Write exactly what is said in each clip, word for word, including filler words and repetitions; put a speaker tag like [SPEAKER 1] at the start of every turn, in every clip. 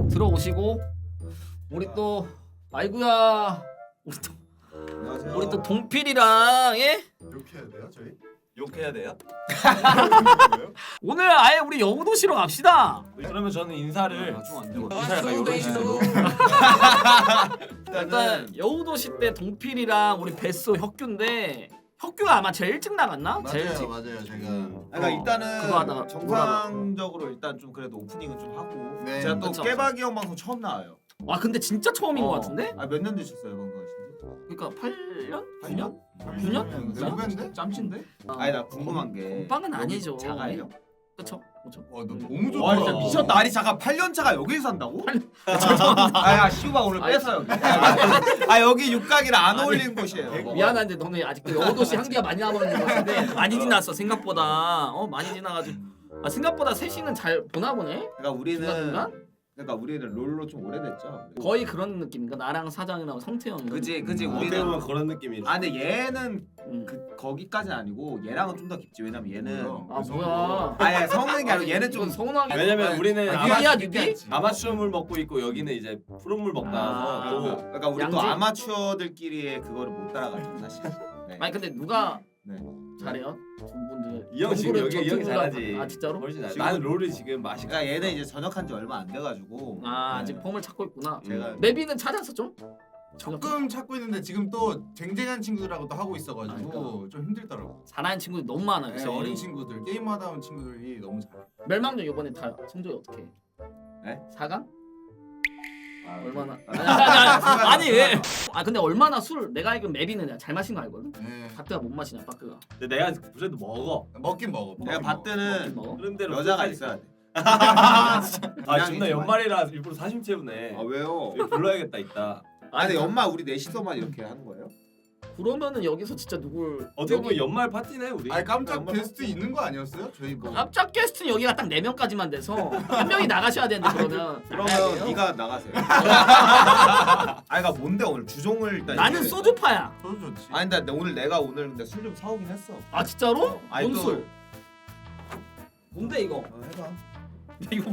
[SPEAKER 1] 들어오시고 우리 또 아이구야 우리 또
[SPEAKER 2] 안녕하세요.
[SPEAKER 1] 우리 또 동필이랑 예?
[SPEAKER 2] 이렇게 해야 돼요, 저희?
[SPEAKER 3] 욕해야 돼요?
[SPEAKER 1] 오늘 아예 우리 여우도시로 갑시다.
[SPEAKER 3] 그러면 저는 인사를
[SPEAKER 1] 아, 좀안 되고.
[SPEAKER 3] 인사 약간 이런 식으로
[SPEAKER 1] 일단 여우도시 때 동필이랑 우리 뱃소 혁규인데 혁규가 아마 제일 일찍 나갔나? 제일
[SPEAKER 2] 맞아요,
[SPEAKER 1] 일찍.
[SPEAKER 2] 맞아요. 제가
[SPEAKER 3] 그러니까
[SPEAKER 1] 어,
[SPEAKER 3] 일단은
[SPEAKER 1] 그거 하다가
[SPEAKER 3] 정상적으로 일단 좀 그래도 오프닝은 좀 하고
[SPEAKER 2] 네,
[SPEAKER 3] 제가 또
[SPEAKER 1] 그쵸.
[SPEAKER 3] 깨박이 형 방송 처음 나와요.
[SPEAKER 1] 와 근데 진짜 처음인 것
[SPEAKER 3] 어.
[SPEAKER 1] 같은데?
[SPEAKER 3] 아 몇 년 되셨어요 방송 하신 지?
[SPEAKER 1] 그러니까 팔 년? 구
[SPEAKER 3] 팔
[SPEAKER 1] 년?
[SPEAKER 3] 년?
[SPEAKER 1] 구 년?
[SPEAKER 2] 내 후배인데?
[SPEAKER 3] 짬친데?
[SPEAKER 1] 아,
[SPEAKER 3] 아니 나 궁금한 게
[SPEAKER 1] 건빵은 아니죠.
[SPEAKER 3] 자가예요?
[SPEAKER 1] 그쵸? 그쵸?
[SPEAKER 2] 와, 너 너무 좋다.
[SPEAKER 3] 와 진짜 미쳤다. 아니 잠깐 팔 년 차가 여기서 산다고? 아야 시우가 오늘
[SPEAKER 1] 아니,
[SPEAKER 3] 뺏어 여기. 아 여기 육각이랑 안 어울리는 곳이에요.
[SPEAKER 1] 미안한데 너네 아직도 여우도시 한기가 많이 남아있는 것 같은데 많이 지났어 생각보다. 어 많이 지나가지고 아 생각보다 셋이는 잘 보나 보네?
[SPEAKER 3] 그러니까 우리는
[SPEAKER 1] 중간중간?
[SPEAKER 3] 그러니까 우리는 롤로 좀 오래됐죠.
[SPEAKER 1] 거의 그런 느낌인가? 나랑 사장이랑 성태형 이런
[SPEAKER 3] 그지 그지
[SPEAKER 1] 느낌.
[SPEAKER 3] 우리는
[SPEAKER 4] 보면 그런 느낌이.
[SPEAKER 3] 아 근데 얘는
[SPEAKER 1] 음.
[SPEAKER 3] 그 거기까지는 아니고 얘랑은 좀 더 깊지. 왜냐면 얘는
[SPEAKER 1] 아 뭐야
[SPEAKER 3] 아예 성능이 아니고 얘는 좀
[SPEAKER 1] 이건 서운하게
[SPEAKER 4] 왜냐면 우리는
[SPEAKER 2] 아,
[SPEAKER 1] 유비야,
[SPEAKER 2] 아마-
[SPEAKER 1] 유비?
[SPEAKER 4] 아마추어 물 먹고 있고 여기는 이제 프로물 먹다
[SPEAKER 1] 아.
[SPEAKER 4] 와서 또
[SPEAKER 3] 그러니까 우리 또
[SPEAKER 1] 양지?
[SPEAKER 3] 아마추어들끼리의 그거를 못 따라가죠 사실. 네.
[SPEAKER 1] 아니 근데 누가
[SPEAKER 3] 네.
[SPEAKER 1] 잘해요? 두 분들
[SPEAKER 4] 이 형 지금
[SPEAKER 1] 연구를
[SPEAKER 4] 여기 이 형이
[SPEAKER 1] 저쪽으로
[SPEAKER 4] 잘하지.
[SPEAKER 1] 아 진짜로?
[SPEAKER 4] 훨씬 잘.
[SPEAKER 3] 지금-
[SPEAKER 4] 나는 롤을 지금 맛있게.
[SPEAKER 3] 그러니까 얘는 이제 전역한 지 얼마 안 돼가지고.
[SPEAKER 1] 아
[SPEAKER 3] 네.
[SPEAKER 1] 아직 폼을 찾고 있구나.
[SPEAKER 3] 제가
[SPEAKER 1] 메비는 찾았어 좀?
[SPEAKER 2] 조금 찾고 있는데 지금 또 쟁쟁한 친구들하고 또 하고 있어가지고
[SPEAKER 1] 아, 그러니까.
[SPEAKER 2] 좀 힘들더라고.
[SPEAKER 1] 잘하는 친구들이 너무 많아요.
[SPEAKER 2] 네,
[SPEAKER 1] 진짜.
[SPEAKER 2] 어린 친구들, 게임하다 온 친구들이 너무 잘해.
[SPEAKER 1] 멸망전 이번에 다 성적이 어떻게 해?
[SPEAKER 3] 네?
[SPEAKER 1] 사 강?
[SPEAKER 3] 아,
[SPEAKER 1] 얼마나?
[SPEAKER 3] 아,
[SPEAKER 1] 아니, 아니, 아니, 아니 왜? 아 근데 얼마나 술 내가 알기로 맵이는 내가 잘 마신 거 알거든?
[SPEAKER 2] 네.
[SPEAKER 1] 바트가 못 마시냐 바트가.
[SPEAKER 4] 근데 내가 그래도 먹어.
[SPEAKER 2] 먹긴 먹어.
[SPEAKER 3] 내가
[SPEAKER 2] 먹긴
[SPEAKER 3] 봤더는
[SPEAKER 1] 먹어?
[SPEAKER 4] 그런 대로
[SPEAKER 3] 여자가
[SPEAKER 4] 끝까지
[SPEAKER 3] 있어야 돼.
[SPEAKER 4] 아
[SPEAKER 3] 그냥
[SPEAKER 4] 존나
[SPEAKER 3] 이제
[SPEAKER 4] 연말이라 일부러 사심 채우네.
[SPEAKER 3] 아 왜요?
[SPEAKER 4] 이거 불러야겠다 이따.
[SPEAKER 3] 아 근데 연말 우리 넷이서만 이렇게 하는 거예요?
[SPEAKER 1] 그러면은 여기서 진짜 누굴
[SPEAKER 4] 어떻게 보면
[SPEAKER 1] 여기-
[SPEAKER 4] 연말 파티네 우리.
[SPEAKER 2] 아니 깜짝
[SPEAKER 3] 연말
[SPEAKER 2] 게스트 있는 거 아니었어요? 저희 뭐.
[SPEAKER 1] 깜짝 게스트는 여기가 딱 네 명까지만 돼서 한 명이 나가셔야 되는데 그러면 나가야
[SPEAKER 3] 그러면
[SPEAKER 1] 돼요?
[SPEAKER 3] 네가 나가세요. 아 그러니까 뭔데 오늘 주종을 일단
[SPEAKER 1] 나는
[SPEAKER 3] 얘기해.
[SPEAKER 1] 소주파야.
[SPEAKER 2] 소주 좋지.
[SPEAKER 3] 아니 근데 오늘 내가 오늘 근데 술 좀 사오긴 했어.
[SPEAKER 1] 아 진짜로?
[SPEAKER 3] 아니,
[SPEAKER 1] 뭔
[SPEAKER 3] 또-
[SPEAKER 1] 술? 뭔데 이거?
[SPEAKER 3] 어, 해봐.
[SPEAKER 1] 이거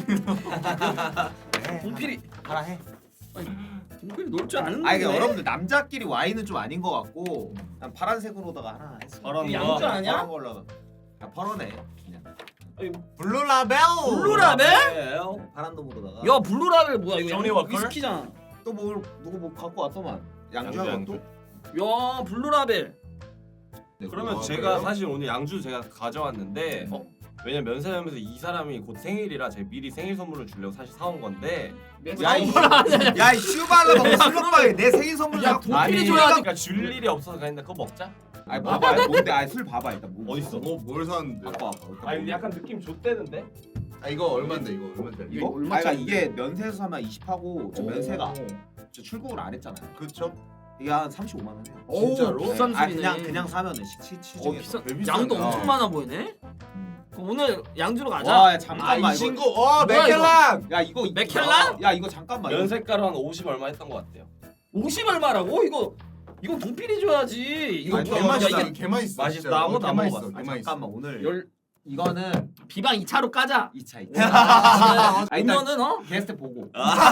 [SPEAKER 3] 해.
[SPEAKER 1] 동필이
[SPEAKER 3] 하라 해.
[SPEAKER 1] 동필이 놀 줄 아는데.
[SPEAKER 3] 아니 이게 여러분들 남자끼리 와인은 좀 아닌 것 같고 난 파란색으로다가 하나 했어.
[SPEAKER 4] 파란
[SPEAKER 1] 이거
[SPEAKER 4] 거.
[SPEAKER 1] 양주 아니야?
[SPEAKER 3] 파란 걸로. 야 파란해. 그냥.
[SPEAKER 2] 블루라벨.
[SPEAKER 1] 블루라벨?
[SPEAKER 4] 네.
[SPEAKER 3] 파란 놈으로다가.
[SPEAKER 1] 야 블루라벨 뭐야 이거
[SPEAKER 4] 조니
[SPEAKER 1] 양-
[SPEAKER 4] 워커?
[SPEAKER 1] 위스키잖아.
[SPEAKER 3] 또뭘 누구 뭐 갖고 왔더만. 양주
[SPEAKER 4] 양주,
[SPEAKER 3] 한 것도.
[SPEAKER 1] 야 블루라벨.
[SPEAKER 3] 네,
[SPEAKER 4] 그러면
[SPEAKER 2] 아,
[SPEAKER 4] 제가
[SPEAKER 2] 그래요?
[SPEAKER 4] 사실 오늘 양주 제가 가져왔는데
[SPEAKER 1] 어?
[SPEAKER 4] 왜냐면 면세점에서 이 사람이 곧 생일이라 제가 미리 생일 선물을 주려고 사실 사온 건데
[SPEAKER 3] 야, 이-
[SPEAKER 1] 야,
[SPEAKER 3] 야, 이 슈발로 먹고 술 먹방에 내 생일 선물
[SPEAKER 1] 야,
[SPEAKER 3] 갖고.
[SPEAKER 1] 동필이
[SPEAKER 4] 아니,
[SPEAKER 1] 줘야지.
[SPEAKER 4] 그러니까 줄 일이 없어서 그랬는데 그거 먹자.
[SPEAKER 3] 아니 봐봐. 아니, 뭔데? 아니 술 봐봐 일단. 뭐
[SPEAKER 4] 어딨어?
[SPEAKER 2] 뭐 뭘 샀는데?
[SPEAKER 3] 갖고 와봐. 일단
[SPEAKER 4] 아니 근데 약간 느낌 좋대는데?
[SPEAKER 2] 아 이거 얼마인데 이거 얼마인데?
[SPEAKER 1] 이거
[SPEAKER 3] 이거?
[SPEAKER 1] 얼마
[SPEAKER 3] 아니 그러니까
[SPEAKER 1] 짜리?
[SPEAKER 3] 이게 면세에서 사면 이십 하고 저
[SPEAKER 1] 오.
[SPEAKER 3] 면세가 저 출국을 안 했잖아요.
[SPEAKER 2] 그렇죠.
[SPEAKER 3] 이게 한 삼십오만 원이에요.
[SPEAKER 1] 오,
[SPEAKER 2] 진짜로?
[SPEAKER 1] 비싼
[SPEAKER 3] 아
[SPEAKER 1] 술이네.
[SPEAKER 3] 그냥 그냥 사면은 시- 시-
[SPEAKER 1] 어
[SPEAKER 3] 시중에서.
[SPEAKER 1] 비싼.
[SPEAKER 2] 개 비싼데.
[SPEAKER 1] 양도 엄청
[SPEAKER 3] 어.
[SPEAKER 1] 많아 보이네. 그럼 오늘 양주로 가자.
[SPEAKER 3] 와, 야, 잠깐만
[SPEAKER 2] 아, 이
[SPEAKER 3] 이거.
[SPEAKER 2] 친구. 와
[SPEAKER 1] 뭐야,
[SPEAKER 2] 맥켈란.
[SPEAKER 3] 야 이거
[SPEAKER 1] 맥켈란?
[SPEAKER 3] 야 이거 잠깐만. 이거-
[SPEAKER 4] 면세가로 한 오십 얼마 했던 것 같아요.
[SPEAKER 1] 오십 얼마라고? 이거 이건 동필이 줘야지. 이거
[SPEAKER 3] 아니,
[SPEAKER 1] 뭐야?
[SPEAKER 3] 개
[SPEAKER 1] 야,
[SPEAKER 3] 맛있다.
[SPEAKER 1] 이게
[SPEAKER 2] 개만 있어.
[SPEAKER 4] 맛있다.
[SPEAKER 2] 진짜.
[SPEAKER 4] 아무것도 안
[SPEAKER 2] 개만
[SPEAKER 4] 먹어봤어.
[SPEAKER 2] 있어.
[SPEAKER 3] 아,
[SPEAKER 2] 개만 있어.
[SPEAKER 3] 잠깐만 오늘
[SPEAKER 1] 열
[SPEAKER 3] 이거는
[SPEAKER 1] 비방 이 차로 까자.
[SPEAKER 3] 이 차.
[SPEAKER 1] 아,
[SPEAKER 3] 아, 일단-
[SPEAKER 1] 오면은 어?
[SPEAKER 3] 게스트 보고.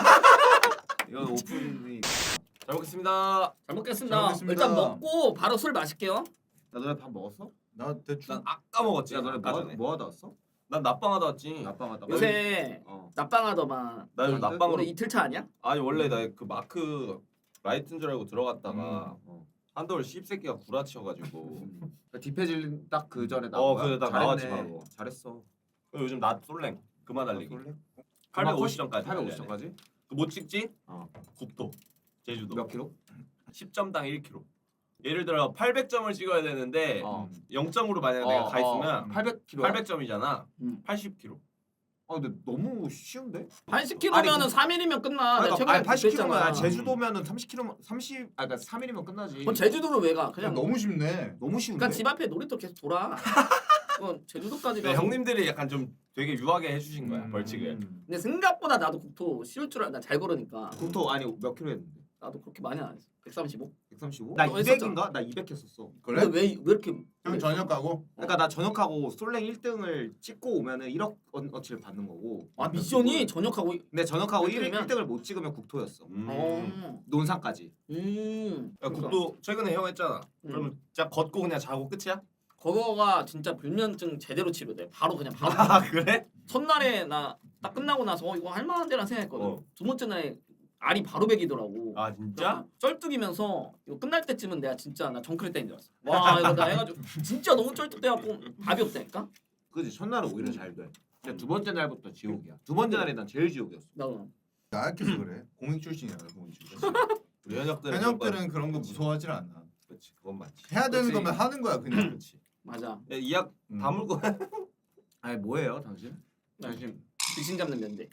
[SPEAKER 3] 이건 오픈이.
[SPEAKER 4] 잘 먹겠습니다.
[SPEAKER 1] 잘 먹겠습니다.
[SPEAKER 2] 잘 먹겠습니다.
[SPEAKER 1] 일단 먹고 바로 술 마실게요.
[SPEAKER 3] 나 너네 밥 먹었어?
[SPEAKER 2] 나 대충.
[SPEAKER 4] 난 아까 먹었지.
[SPEAKER 3] 야 너네
[SPEAKER 4] 아까
[SPEAKER 3] 뭐,
[SPEAKER 4] 전에.
[SPEAKER 3] 뭐 하다 왔어?
[SPEAKER 4] 난 낮방하다 왔지.
[SPEAKER 3] 낮방하다.
[SPEAKER 1] 요새
[SPEAKER 3] 어.
[SPEAKER 1] 낮방하더만.
[SPEAKER 4] 나 요즘 낮방으로.
[SPEAKER 1] 오늘 이틀 차 아니야?
[SPEAKER 4] 아니 원래 나 그 마크 라이트인 줄 알고 들어갔다가
[SPEAKER 3] 어.
[SPEAKER 4] 한돌 씹새끼가 구라치여가지고
[SPEAKER 3] 디페질 딱 그 전에 나온
[SPEAKER 4] 어,
[SPEAKER 3] 거야?
[SPEAKER 4] 그래, 나
[SPEAKER 3] 잘했네.
[SPEAKER 4] 나왔지, 바로.
[SPEAKER 3] 잘했어.
[SPEAKER 4] 요즘 낮 솔랭 그만 달리기.
[SPEAKER 3] 쏠래?
[SPEAKER 4] 팔백오십 점까지.
[SPEAKER 3] 팔백오십 점까지?
[SPEAKER 4] 그못 찍지?
[SPEAKER 3] 어.
[SPEAKER 4] 국도 제주도
[SPEAKER 3] 몇 킬로?
[SPEAKER 4] 십 점당 일 킬로미터. 예를 들어 팔백 점을 찍어야 되는데
[SPEAKER 3] 어.
[SPEAKER 4] 영 점으로 만약 내가 가 있으면
[SPEAKER 3] 팔백 킬로.
[SPEAKER 4] 팔백 점이잖아.
[SPEAKER 1] 음.
[SPEAKER 4] 팔십 킬로미터.
[SPEAKER 3] 아 근데 너무 쉬운데?
[SPEAKER 1] 팔십 킬로미터면은
[SPEAKER 3] 아니,
[SPEAKER 1] 삼 일이면 끝나. 내가
[SPEAKER 3] 아니,
[SPEAKER 1] 최근에
[SPEAKER 3] 아니 팔십 킬로면
[SPEAKER 1] 그랬잖아.
[SPEAKER 3] 아니, 제주도면은 삼십 킬로 삼십 아 그러니까 삼 일이면 끝나지.
[SPEAKER 1] 그럼 제주도를 왜 가? 그냥
[SPEAKER 2] 너무 쉽네.
[SPEAKER 3] 너무 쉬운데.
[SPEAKER 1] 그러니까 집 앞에 놀이터 계속 돌아. 그건 제주도까지
[SPEAKER 4] 네,
[SPEAKER 1] 가서.
[SPEAKER 4] 형님들이 약간 좀 되게 유하게 해주신 거야
[SPEAKER 2] 음.
[SPEAKER 4] 벌칙을.
[SPEAKER 1] 근데 생각보다 나도 국토 쉬울 줄 알아. 나 잘 걸으니까.
[SPEAKER 3] 국토 아니 몇 킬로 했는데?
[SPEAKER 1] 나도 그렇게 많이 안 했어. 백삼십오?
[SPEAKER 3] 백삼십오? 나
[SPEAKER 1] 너
[SPEAKER 3] 이백인가? 나 이백 했었어.
[SPEAKER 2] 그래?
[SPEAKER 1] 근데 왜, 왜 이렇게
[SPEAKER 2] 형 저녁 가고?
[SPEAKER 3] 그러니까 나 전역하고 솔랭 일 등을 찍고 오면은 일억 어치를 받는 거고.
[SPEAKER 1] 아 미션이 전역하고
[SPEAKER 3] 근데 전역하고 일,
[SPEAKER 1] 일 등이면?
[SPEAKER 3] 일 등을 못 찍으면 국토였어.
[SPEAKER 4] 음.
[SPEAKER 1] 어.
[SPEAKER 3] 논산까지.
[SPEAKER 1] 음.
[SPEAKER 4] 야, 국도 최근에 형 했잖아.
[SPEAKER 1] 음.
[SPEAKER 4] 그러면 진짜 걷고 그냥 자고 끝이야?
[SPEAKER 1] 그거가 진짜 불면증 제대로 치료돼. 바로 그냥 바로.
[SPEAKER 4] 아 그래?
[SPEAKER 1] 첫날에 나 딱 끝나고 나서 어, 이거 할만한데라 생각했거든.
[SPEAKER 4] 어.
[SPEAKER 1] 두 번째 날에 알이 바로 베기더라고.
[SPEAKER 4] 아 진짜?
[SPEAKER 1] 쩔뚝이면서 이거 끝날 때쯤은 내가 진짜 나 정크레 때인 줄 알았어. 와 이거 나 해가지고 진짜 너무 쩔뚝돼갖고 답이 없다니까.
[SPEAKER 3] 그지 첫날은 오히려 잘 돼. 근데 두 번째 날부터 지옥이야. 두 번째 날이 난 제일 지옥이었어.
[SPEAKER 1] 나도.
[SPEAKER 2] 나약해서 그래. 공익 출신이야 공익 출신.
[SPEAKER 4] 우리 현역들은
[SPEAKER 2] 현역들은 그런 거 무서워하질 않아.
[SPEAKER 4] 그렇지 그건 맞지.
[SPEAKER 2] 해야 되는
[SPEAKER 4] 그치.
[SPEAKER 2] 거면 하는 거야 그냥.
[SPEAKER 4] 그렇지.
[SPEAKER 1] 맞아.
[SPEAKER 4] 이약
[SPEAKER 2] 음.
[SPEAKER 4] 다물고
[SPEAKER 3] 아니 뭐예요 당신?
[SPEAKER 1] 당신 귀신 잡는 면대.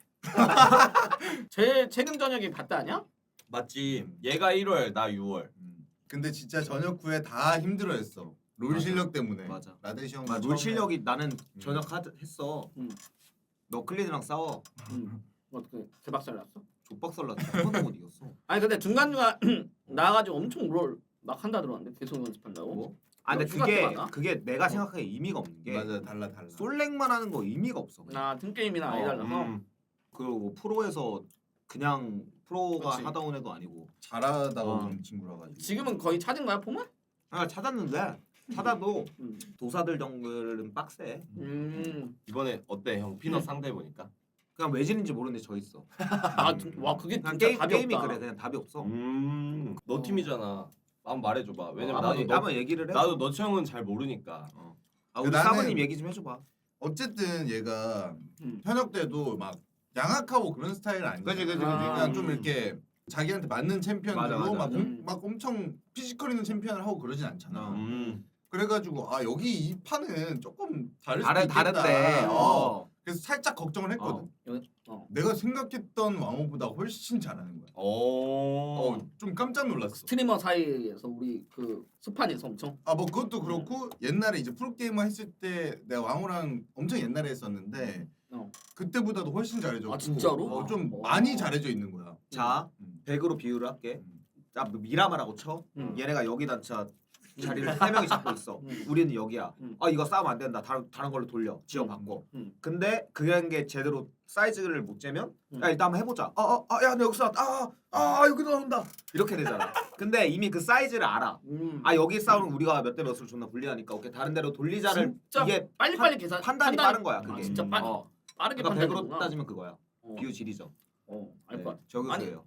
[SPEAKER 1] 제일 최근 저녁이 봤다 아니야?
[SPEAKER 4] 맞지. 얘가 일월 나 유월.
[SPEAKER 2] 음. 근데 진짜 저녁 후에 다 힘들어했어. 롤
[SPEAKER 3] 맞아.
[SPEAKER 2] 실력 때문에.
[SPEAKER 3] 맞아.
[SPEAKER 2] 라데시 형.
[SPEAKER 3] 아, 롤 실력이 나는 전역 하, 했어.
[SPEAKER 1] 음.
[SPEAKER 3] 너 클리드랑 싸워.
[SPEAKER 1] 응. 어떻게 개박살 났어?
[SPEAKER 3] 족박살 났지. 한 번도 못 이겼어.
[SPEAKER 1] 아니 근데 중간 중간 나가지고 엄청 롤 막 한다 들었는데 계속 연습한다고.
[SPEAKER 3] 뭐? 아 근데
[SPEAKER 1] 휴가
[SPEAKER 3] 그게
[SPEAKER 1] 때 맞나?
[SPEAKER 3] 그게 내가 생각하기에 의미가 없는 게
[SPEAKER 2] 맞아 달라 달라.
[SPEAKER 3] 솔랭만 하는 거 의미가 없어. 그냥.
[SPEAKER 1] 나 등게임이나 아예 달라서.
[SPEAKER 4] 음.
[SPEAKER 3] 그리고 뭐 프로에서 그냥 프로가
[SPEAKER 1] 그치.
[SPEAKER 3] 하다 온 애도 아니고.
[SPEAKER 2] 잘하다가
[SPEAKER 3] 어.
[SPEAKER 2] 온 친구라 가지고.
[SPEAKER 1] 지금은 거의 찾은 거야 폼은?
[SPEAKER 3] 아 찾았는데 찾아도
[SPEAKER 1] 음.
[SPEAKER 3] 도사들 정글은 빡세.
[SPEAKER 1] 음.
[SPEAKER 4] 이번에 어때 형 피넛 상대 보니까?
[SPEAKER 3] 그냥 외질인지 모르는데 져 있어.
[SPEAKER 1] 아, 두- 와 그게
[SPEAKER 3] 그냥
[SPEAKER 1] 진짜
[SPEAKER 3] 게임,
[SPEAKER 1] 답이
[SPEAKER 3] 게임이
[SPEAKER 1] 없다.
[SPEAKER 3] 그래 그냥 답이 없어.
[SPEAKER 4] 음. 너
[SPEAKER 1] 어.
[SPEAKER 4] 팀이잖아. 한번 말해줘봐. 왜냐면
[SPEAKER 3] 한번
[SPEAKER 4] 나도
[SPEAKER 3] 얘기-
[SPEAKER 4] 너,
[SPEAKER 3] 한번 얘기를 해.
[SPEAKER 4] 나도 너 형은 잘 모르니까.
[SPEAKER 3] 어. 아 우리
[SPEAKER 2] 나는-
[SPEAKER 3] 사모님 얘기 좀 해줘봐.
[SPEAKER 2] 어쨌든 얘가
[SPEAKER 1] 음.
[SPEAKER 2] 현역 때도 막 양악하고 그런 스타일 아니야.
[SPEAKER 3] 그치, 그치,
[SPEAKER 1] 그치.
[SPEAKER 2] 그냥
[SPEAKER 1] 아,
[SPEAKER 2] 좀
[SPEAKER 1] 음.
[SPEAKER 2] 이렇게 자기한테 맞는 챔피언들로
[SPEAKER 3] 맞아, 맞아.
[SPEAKER 2] 막,
[SPEAKER 1] 음.
[SPEAKER 2] 엄, 막 엄청 피지컬 있는 챔피언을 하고 그러진 않잖아.
[SPEAKER 3] 어.
[SPEAKER 4] 음.
[SPEAKER 2] 그래가지고 아 여기 이 판은 조금 다를 수도
[SPEAKER 3] 다른
[SPEAKER 2] 있겠다.
[SPEAKER 3] 다른데.
[SPEAKER 2] 어.
[SPEAKER 3] 어.
[SPEAKER 2] 그래서 살짝 걱정을 했거든.
[SPEAKER 1] 여기- 어.
[SPEAKER 2] 내가 생각했던 왕호보다 훨씬 잘하는 거야.
[SPEAKER 4] 오.
[SPEAKER 2] 어, 좀 깜짝 놀랐어.
[SPEAKER 1] 스트리머 사이에서 우리 그 스판에서 엄청.
[SPEAKER 2] 아 뭐 그것도 그렇고 옛날에 이제 프로게이머 했을 때 내가 왕호랑 엄청 옛날에 했었는데
[SPEAKER 1] 어.
[SPEAKER 2] 그때보다도 훨씬 잘해졌고
[SPEAKER 1] 아, 진짜로?
[SPEAKER 2] 어, 좀
[SPEAKER 1] 어.
[SPEAKER 2] 많이 잘해져 있는 거야.
[SPEAKER 3] 자
[SPEAKER 2] 음.
[SPEAKER 3] 백으로 비유를 할게.
[SPEAKER 2] 음.
[SPEAKER 3] 자 미라마라고 쳐.
[SPEAKER 1] 음.
[SPEAKER 3] 얘네가 여기다 자 자리를 세 명이 잡고 있어.
[SPEAKER 1] 음.
[SPEAKER 3] 우리는 여기야.
[SPEAKER 1] 음.
[SPEAKER 3] 아 이거 싸우면 안 된다. 다른 다른 걸로 돌려. 지어 바꿔.
[SPEAKER 1] 음.
[SPEAKER 3] 근데 그런 게 제대로 사이즈를 못 재면
[SPEAKER 1] 음.
[SPEAKER 3] 야 일단 한번 해보자. 아아야 나 여기서 아아 아, 여기 나온다. 이렇게 되잖아. 근데 이미 그 사이즈를 알아.
[SPEAKER 1] 음.
[SPEAKER 3] 아 여기 싸우면 우리가 몇 대 몇으로 존나 불리하니까 오케이 다른 데로 돌리자를
[SPEAKER 1] 진짜
[SPEAKER 3] 이게
[SPEAKER 1] 빨리빨리 계산
[SPEAKER 3] 판단이 빠른 거야
[SPEAKER 1] 아,
[SPEAKER 3] 그게.
[SPEAKER 1] 진짜 빠르,
[SPEAKER 3] 어.
[SPEAKER 1] 빠르게
[SPEAKER 3] 그러니까 백으로
[SPEAKER 1] 판단이구나.
[SPEAKER 3] 따지면 그거야.
[SPEAKER 1] 어.
[SPEAKER 3] 비유 지리죠.
[SPEAKER 1] 어, 알
[SPEAKER 3] 네,
[SPEAKER 1] 것 같아.
[SPEAKER 3] 저교수예요.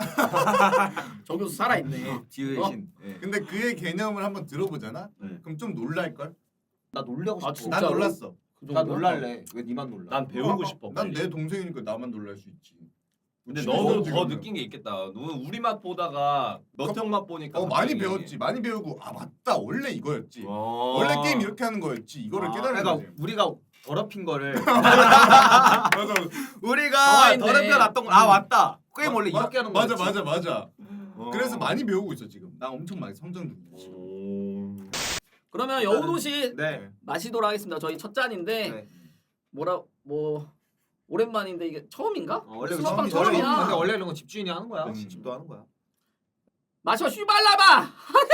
[SPEAKER 1] 저 교수 살아있네.
[SPEAKER 3] 비유의
[SPEAKER 1] 어?
[SPEAKER 3] 신. 네.
[SPEAKER 2] 근데 그의 개념을 한번 들어보잖아.
[SPEAKER 3] 네.
[SPEAKER 2] 그럼 좀 놀랄 걸?
[SPEAKER 3] 나 놀려고
[SPEAKER 1] 아,
[SPEAKER 3] 싶어.
[SPEAKER 1] 진짜로?
[SPEAKER 2] 난 놀랐어.
[SPEAKER 1] 그
[SPEAKER 3] 나
[SPEAKER 1] 정도야?
[SPEAKER 3] 놀랄래. 왜 니만 놀라?
[SPEAKER 4] 난 배우고 싶어.
[SPEAKER 2] 난
[SPEAKER 4] 빨리.
[SPEAKER 2] 내 동생이니까 나만 놀랄 수 있지.
[SPEAKER 4] 근데
[SPEAKER 2] 심해서
[SPEAKER 4] 너는 더
[SPEAKER 2] 지금은.
[SPEAKER 4] 느낀 게 있겠다. 너는 우리 맛 보다가 너형 맛 보니까
[SPEAKER 2] 어 많이
[SPEAKER 4] 갑자기-
[SPEAKER 2] 배웠지. 많이 배우고 아 맞다 원래 이거였지.
[SPEAKER 4] 어.
[SPEAKER 2] 원래 게임 이렇게 하는 거였지. 이거를
[SPEAKER 1] 아,
[SPEAKER 2] 깨달은
[SPEAKER 3] 그러니까
[SPEAKER 2] 거지.
[SPEAKER 3] 우리가 더럽힌 거를
[SPEAKER 2] 맞아.
[SPEAKER 3] 우리가
[SPEAKER 1] 가만히 있네.
[SPEAKER 3] 더럽혀 놨던 거. 아 맞다. 게임 원래
[SPEAKER 2] 마-
[SPEAKER 3] 이렇게 하는
[SPEAKER 2] 맞아
[SPEAKER 3] 거였지.
[SPEAKER 2] 맞아 맞아.
[SPEAKER 3] 어.
[SPEAKER 2] 그래서 많이 배우고 있어 지금. 나 엄청 많이 성장 중이야.
[SPEAKER 4] 오.
[SPEAKER 1] 그러면 여우도시
[SPEAKER 3] 네.
[SPEAKER 1] 마시도록 하겠습니다. 저희 첫 잔인데
[SPEAKER 3] 네.
[SPEAKER 1] 뭐라 뭐 오랜만인데 이게 처음인가?
[SPEAKER 3] 어, 원래
[SPEAKER 1] 수박빵
[SPEAKER 2] 처음이죠.
[SPEAKER 3] 원래
[SPEAKER 1] 처음이야.
[SPEAKER 3] 근데 원래 이런 건 집주인이 하는 거야.
[SPEAKER 2] 음.
[SPEAKER 3] 집도 하는 거야.
[SPEAKER 1] 마셔 슈발라바.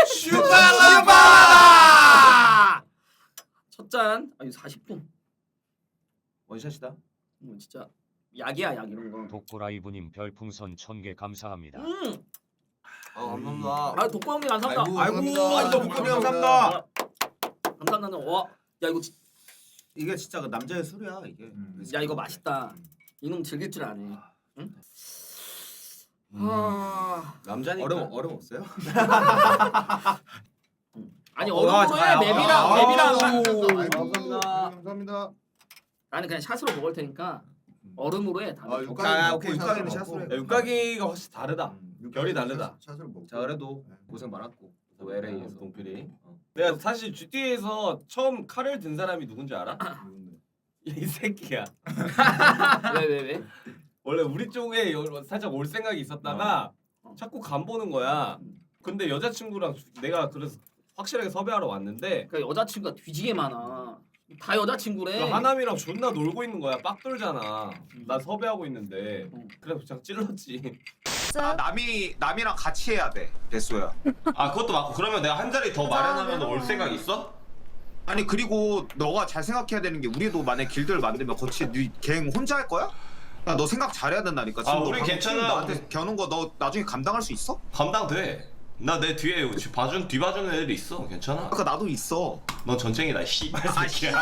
[SPEAKER 3] 슈발라바!
[SPEAKER 1] 첫 잔. 아 이거 사십 분.
[SPEAKER 3] 원샷이다.
[SPEAKER 1] 음, 진짜 약이야 약 이런 거.
[SPEAKER 5] 독보라이브님 별풍선 천 개 감사합니다.
[SPEAKER 1] 음.
[SPEAKER 3] 아 감사합니다.
[SPEAKER 1] 아 독보 형님 감사합니다.
[SPEAKER 2] 아이고,
[SPEAKER 3] 아이고,
[SPEAKER 2] 감사합니다.
[SPEAKER 3] 아이고, 복근이 감사합니다.
[SPEAKER 1] 감사합니다. 와, 야 이거 지-
[SPEAKER 3] 이게 진짜 그 남자의 술이야 이게.
[SPEAKER 2] 음.
[SPEAKER 1] 야 이거 맛있다. 이놈 즐길 줄 아네. 응?
[SPEAKER 4] 음.
[SPEAKER 1] 아,
[SPEAKER 4] 남자니까.
[SPEAKER 3] 얼음 얼음 없어요?
[SPEAKER 1] 아니
[SPEAKER 3] 어,
[SPEAKER 1] 얼음으로
[SPEAKER 3] 아,
[SPEAKER 1] 해 맵이랑
[SPEAKER 3] 아,
[SPEAKER 1] 맵이랑.
[SPEAKER 3] 아,
[SPEAKER 2] 아이고,
[SPEAKER 1] 감사합니다.
[SPEAKER 2] 감사합니다.
[SPEAKER 1] 나는 그냥 샷으로 먹을 테니까 얼음으로 해. 다.
[SPEAKER 2] 아,
[SPEAKER 1] 음.
[SPEAKER 2] 육각이
[SPEAKER 3] 아,
[SPEAKER 2] 먹고
[SPEAKER 3] 오케이,
[SPEAKER 2] 샷을
[SPEAKER 3] 육각이는
[SPEAKER 2] 먹고.
[SPEAKER 3] 샷으로 해.
[SPEAKER 4] 야, 육각이가 훨씬 다르다.
[SPEAKER 2] 음,
[SPEAKER 4] 결이
[SPEAKER 2] 육각이
[SPEAKER 4] 다르다.
[SPEAKER 2] 샷- 샷을 먹고.
[SPEAKER 3] 자 그래도
[SPEAKER 2] 네.
[SPEAKER 3] 고생 많았고 또
[SPEAKER 4] 어,
[SPEAKER 3] 엘에이에서
[SPEAKER 4] 동필이.
[SPEAKER 3] 어.
[SPEAKER 4] 내가 사실 지티에이에서 처음 칼을 든 사람이 누군지 알아?
[SPEAKER 2] 누군데?
[SPEAKER 4] 이 새끼야.
[SPEAKER 1] 왜 왜 왜?
[SPEAKER 4] 원래 우리 쪽에 여- 살짝 올 생각이 있었다가
[SPEAKER 1] 어.
[SPEAKER 4] 자꾸 간 보는 거야. 근데 여자친구랑 주- 내가 그래서 확실하게 섭외하러 왔는데
[SPEAKER 1] 그러니까 여자친구가 뒤지게 많아. 다 여자친구래.
[SPEAKER 4] 그 하남이랑 존나 놀고 있는 거야. 빡 돌잖아.
[SPEAKER 1] 음.
[SPEAKER 4] 나 섭외하고 있는데
[SPEAKER 1] 어.
[SPEAKER 4] 그래서 그냥 찔렀지.
[SPEAKER 3] 아 남이 남이랑 같이 해야 돼 배수야.
[SPEAKER 4] 아 그것도 맞고 그러면 내가 한 자리 더 마련하면 올 생각 있어?
[SPEAKER 3] 아니 그리고 너가 잘 생각해야 되는 게 우리도 만약 길드를 만들면 거치 네갱 혼자 할 거야? 야, 너 생각 잘해야 된다니까. 지금
[SPEAKER 4] 아,
[SPEAKER 3] 너
[SPEAKER 4] 우리
[SPEAKER 3] 방금
[SPEAKER 4] 괜찮아.
[SPEAKER 3] 나한테 겨눈 거 너 나중에 감당할 수 있어?
[SPEAKER 4] 감당돼. 나 내 뒤에 봐준 뒤봐주는 애들이 있어. 괜찮아.
[SPEAKER 3] 아까 나도 있어.
[SPEAKER 4] 넌 전쟁이다. 씨발 새끼야.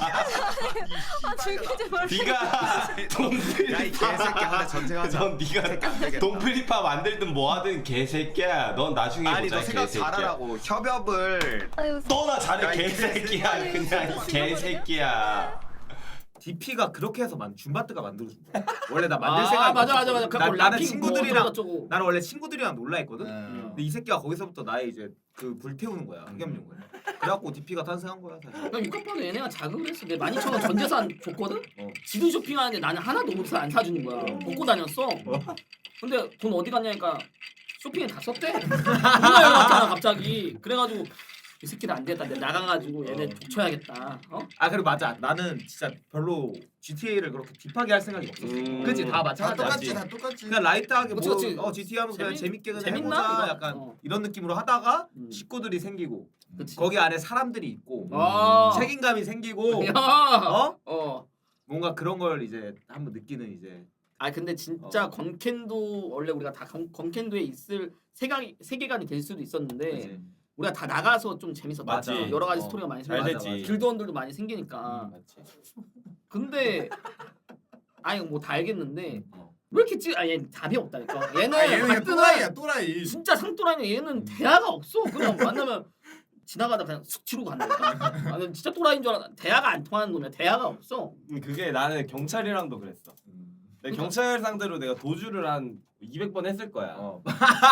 [SPEAKER 6] 아 즐기지 말고.
[SPEAKER 4] 네가 동필.
[SPEAKER 3] 야이 개새끼야. 근데 전쟁하자.
[SPEAKER 4] 넌 네가 동필리파 만들든 뭐하든 개새끼야. 넌 나중에
[SPEAKER 3] 아니
[SPEAKER 4] 보자
[SPEAKER 3] 너 생각
[SPEAKER 4] 개새끼야.
[SPEAKER 3] 잘하라고. 협업을
[SPEAKER 6] 아유
[SPEAKER 4] 너나 잘해
[SPEAKER 3] 야, 이
[SPEAKER 4] 개새끼야. 그냥 개새끼야.
[SPEAKER 3] 디피가 그렇게 해서 만 줌바트가 만들어준 거야. 원래 나 만들
[SPEAKER 1] 아
[SPEAKER 3] 생각이
[SPEAKER 1] 맞아 맞아
[SPEAKER 3] 없었거든.
[SPEAKER 1] 맞아.
[SPEAKER 3] 나,
[SPEAKER 1] 그거
[SPEAKER 3] 나는
[SPEAKER 1] 라핑
[SPEAKER 3] 친구들이랑
[SPEAKER 1] 뭐 어쩌고
[SPEAKER 3] 나는 원래 친구들이랑 놀라 했거든.
[SPEAKER 2] 음.
[SPEAKER 3] 근데 이 새끼가 거기서부터 나의 이제 그 불태우는 거야. 흑염룡을. 그래갖고 디피가 탄생한 거야 사실.
[SPEAKER 1] 나 육각번에 얘네가 자극을 했어. 내 만 이천 원 전재산 줬거든?
[SPEAKER 3] 어.
[SPEAKER 1] 지도 쇼핑하는데 나는 하나도 옷을 안 사주는 거야. 벗고 다녔어. 근데 돈 어디 갔냐니까 쇼핑에 다 썼대. 누가 연락 왔잖아 갑자기. 그래가지고 이 새끼들 안 되겠다. 내가 나가가지고 얘네 족쳐야겠다. 어?
[SPEAKER 3] 아 그리고 맞아. 나는 진짜 별로 지티에이를 그렇게 딥하게 할 생각이 없었어.
[SPEAKER 4] 음.
[SPEAKER 3] 그치 다
[SPEAKER 2] 다
[SPEAKER 3] 마찬가지지.
[SPEAKER 2] 똑같지 다 똑같지.
[SPEAKER 3] 그냥 라이트하게
[SPEAKER 1] 그치,
[SPEAKER 3] 뭐
[SPEAKER 1] 그치.
[SPEAKER 3] 어, 지티에이 하면서 그냥
[SPEAKER 1] 재밌-
[SPEAKER 3] 재밌게 그냥
[SPEAKER 1] 재밌나?
[SPEAKER 3] 해보자
[SPEAKER 1] 이거.
[SPEAKER 3] 약간
[SPEAKER 1] 어.
[SPEAKER 3] 이런 느낌으로 하다가
[SPEAKER 1] 음.
[SPEAKER 3] 식구들이 생기고
[SPEAKER 1] 그치.
[SPEAKER 3] 거기 안에 사람들이 있고
[SPEAKER 1] 아.
[SPEAKER 3] 책임감이 생기고
[SPEAKER 1] 야.
[SPEAKER 3] 어?
[SPEAKER 1] 어.
[SPEAKER 3] 뭔가 그런 걸 이제 한번 느끼는 이제
[SPEAKER 1] 아 근데 진짜
[SPEAKER 3] 어.
[SPEAKER 1] 건캔도 원래 우리가 다 건, 건캔도에 있을 세계관이 세계관이 될 수도 있었는데
[SPEAKER 3] 그치.
[SPEAKER 1] 우리가 다 나가서 좀 재밌었다.
[SPEAKER 3] 맞아.
[SPEAKER 1] 여러 가지
[SPEAKER 3] 어.
[SPEAKER 1] 스토리가 많이
[SPEAKER 4] 잘
[SPEAKER 1] 생기고
[SPEAKER 4] 됐지.
[SPEAKER 1] 길드원들도 많이 생기니까.
[SPEAKER 3] 맞지.
[SPEAKER 1] 근데 아니 뭐 다 알겠는데
[SPEAKER 3] 어.
[SPEAKER 1] 왜 이렇게 찌? 아얘 답이 없다니까. 얘는
[SPEAKER 2] 아, 얘는 그냥
[SPEAKER 1] 가뜩은
[SPEAKER 2] 또라이야 또라이.
[SPEAKER 1] 진짜 상또라니 얘는 대화가 없어. 그냥 만나면 지나가다 그냥 쑥 치르고 간다니까. 아, 난 진짜 또라이인 줄 알아. 대화가 안 통하는 놈이야. 대화가 없어.
[SPEAKER 4] 그게 나는 경찰이랑도 그랬어. 내
[SPEAKER 1] 그러니까.
[SPEAKER 4] 경찰 상대로 내가 도주를 한 이백 번 했을 거야.
[SPEAKER 3] 어.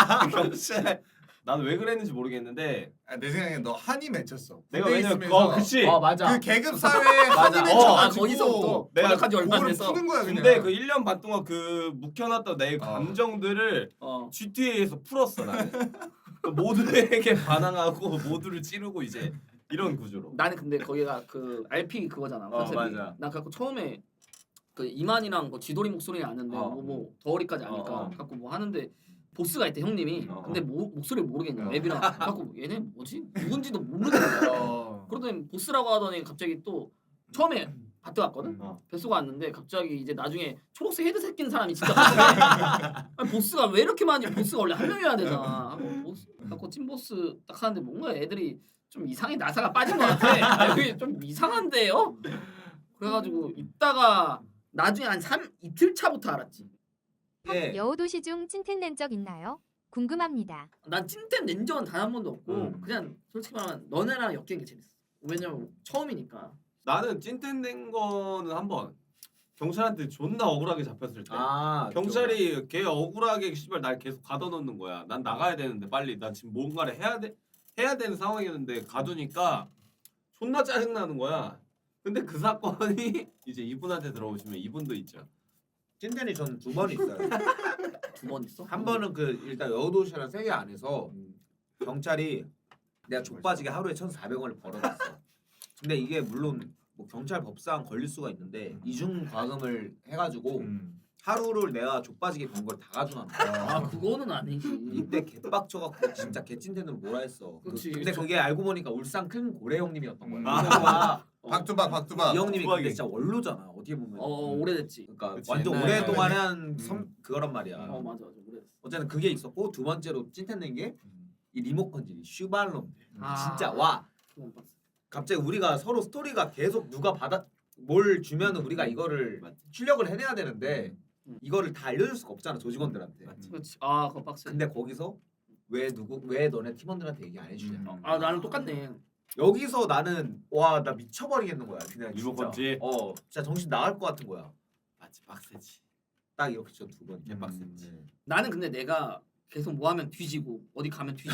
[SPEAKER 4] 경찰. 나는 왜 그랬는지 모르겠는데
[SPEAKER 2] 아, 내 생각에 너 한이 맺혔어.
[SPEAKER 4] 내가
[SPEAKER 2] 군대
[SPEAKER 4] 왜냐면
[SPEAKER 2] 있으면서
[SPEAKER 4] 어 그치.
[SPEAKER 3] 어 맞아.
[SPEAKER 2] 그 계급 사회에 한이
[SPEAKER 1] 어, 아,
[SPEAKER 2] 맺혀가지고
[SPEAKER 1] 거기서부터
[SPEAKER 4] 내가
[SPEAKER 1] 전역한 지 얼마 안
[SPEAKER 2] 그거를
[SPEAKER 1] 돼서.
[SPEAKER 2] 푸는 거야 그냥.
[SPEAKER 4] 근데 그 일 년 반 동안 그 묵혀놨던 내 감정들을
[SPEAKER 1] 어.
[SPEAKER 4] 지티에이에서 풀었어 나는. 그 모두에게 반항하고 모두를 찌르고 이제 이런 구조로.
[SPEAKER 1] 나는 근데 거기가 그 알피 그거잖아.
[SPEAKER 3] 어,
[SPEAKER 1] 컨셉이.
[SPEAKER 3] 맞아.
[SPEAKER 1] 나 갖고 처음에 그 이만이랑 뭐 지돌이 목소리는 아는데
[SPEAKER 3] 어.
[SPEAKER 1] 뭐, 뭐 덩어리까지 아니까
[SPEAKER 3] 어, 어.
[SPEAKER 1] 갖고 뭐 하는데 보스가 있대 형님이.
[SPEAKER 3] 어, 어.
[SPEAKER 1] 근데 모, 목소리를 모르겠냐.
[SPEAKER 3] 어.
[SPEAKER 1] 앱이랑 갖고 얘네 뭐지? 누군지도 모르겠는 거야.
[SPEAKER 2] 어.
[SPEAKER 1] 그러더니 보스라고 하더니 갑자기 또 처음에 바트 갔거든.
[SPEAKER 3] 어.
[SPEAKER 1] 뱃소가 왔는데 갑자기 이제 나중에 초록색 헤드셋 낀 사람이 진짜 보스래. 아니, 보스가 왜 이렇게 많이 보스가 원래 한 명이어야 되잖아. 하고 보스 갖고 찐 보스 딱 하는데 뭔가 애들이 좀 이상해 나사가 빠진 것 같아. 여기 좀 이상한데요? 그래가지고 있다가 나중에 한 삼 이틀 차부터 알았지.
[SPEAKER 3] 예.
[SPEAKER 6] 여우도시 중 찐텐 낸 적 있나요? 궁금합니다.
[SPEAKER 1] 난 찐텐 낸 적은 단 한 번도 없고
[SPEAKER 3] 음.
[SPEAKER 1] 그냥 솔직히 말하면 너네랑 엮이는 게 재밌어. 왜냐면 처음이니까.
[SPEAKER 4] 나는 찐텐 된 거는 한 번 경찰한테 존나 억울하게 잡혔을 때.
[SPEAKER 3] 아
[SPEAKER 4] 경찰이 걔 억울하게 씨발 날 계속 가둬놓는 거야. 난 나가야 되는데 빨리 나 지금 뭔가를 해야 돼 해야 되는 상황이었는데 가두니까 존나 짜증 나는 거야. 근데 그 사건이 이제 이분한테 들어오시면 이분도 있죠.
[SPEAKER 3] 찐텐이 저는 두 번 있어요.
[SPEAKER 1] 두 번 있어?
[SPEAKER 3] 한 번은 그 일단 여우도시라는 세계 안에서 경찰이 내가 족빠지게 하루에 천사백 원을 벌어놨어. 근데 이게 물론 뭐 경찰 법상 걸릴 수가 있는데 이중 과금을 해가지고
[SPEAKER 2] 음.
[SPEAKER 3] 하루를 내가 족빠지게 번 걸 다 가져간 거야.
[SPEAKER 1] 아 그거는 아니지.
[SPEAKER 3] 이때 개빡쳐갖고 진짜 개찐텐으로 뭐라 했어. 그,
[SPEAKER 1] 그치.
[SPEAKER 3] 근데 그게 알고 보니까 울산 큰 고래 형님이었던 거야.
[SPEAKER 2] 아.
[SPEAKER 3] 그래서
[SPEAKER 2] 박두박 박두박.
[SPEAKER 3] 이 형님이
[SPEAKER 4] 두박이.
[SPEAKER 3] 근데 진짜 원로잖아. 어떻게 보면.
[SPEAKER 1] 어 오래됐지.
[SPEAKER 3] 그러니까
[SPEAKER 4] 그치,
[SPEAKER 3] 완전
[SPEAKER 4] 옛날에.
[SPEAKER 3] 오랫동안 한
[SPEAKER 2] 음.
[SPEAKER 3] 섬, 그거란 말이야.
[SPEAKER 1] 어 맞아 맞아 오래됐어.
[SPEAKER 3] 어쨌든 그게 있었고 두 번째로 찐텐 낸 게 이 리모컨질이 슈발놈들.
[SPEAKER 1] 아.
[SPEAKER 3] 진짜 와
[SPEAKER 1] 그건 빡세.
[SPEAKER 3] 갑자기 우리가 서로 스토리가 계속 누가 받아 뭘 주면은 우리가 이거를 출력을 해내야 되는데
[SPEAKER 1] 음.
[SPEAKER 3] 이거를 다 알려줄 수가 없잖아 조직원들한테.
[SPEAKER 1] 그렇지. 아 그거 빡세.
[SPEAKER 3] 근데 거기서 왜 누구 왜 너네 팀원들한테 얘기 안 해주냐.
[SPEAKER 2] 음.
[SPEAKER 1] 아 나는 똑같네.
[SPEAKER 3] 여기서 나는 와 나 미쳐버리겠는 거야 그냥
[SPEAKER 4] 리모컨질?
[SPEAKER 3] 진짜. 어 진짜 정신 나갈 것 같은 거야.
[SPEAKER 4] 맞지 빡세지.
[SPEAKER 3] 딱 이렇게 저 두 번.
[SPEAKER 4] 개빡셌지.
[SPEAKER 3] 음.
[SPEAKER 1] 나는 근데 내가 계속 뭐 하면 뒤지고 어디 가면 뒤지고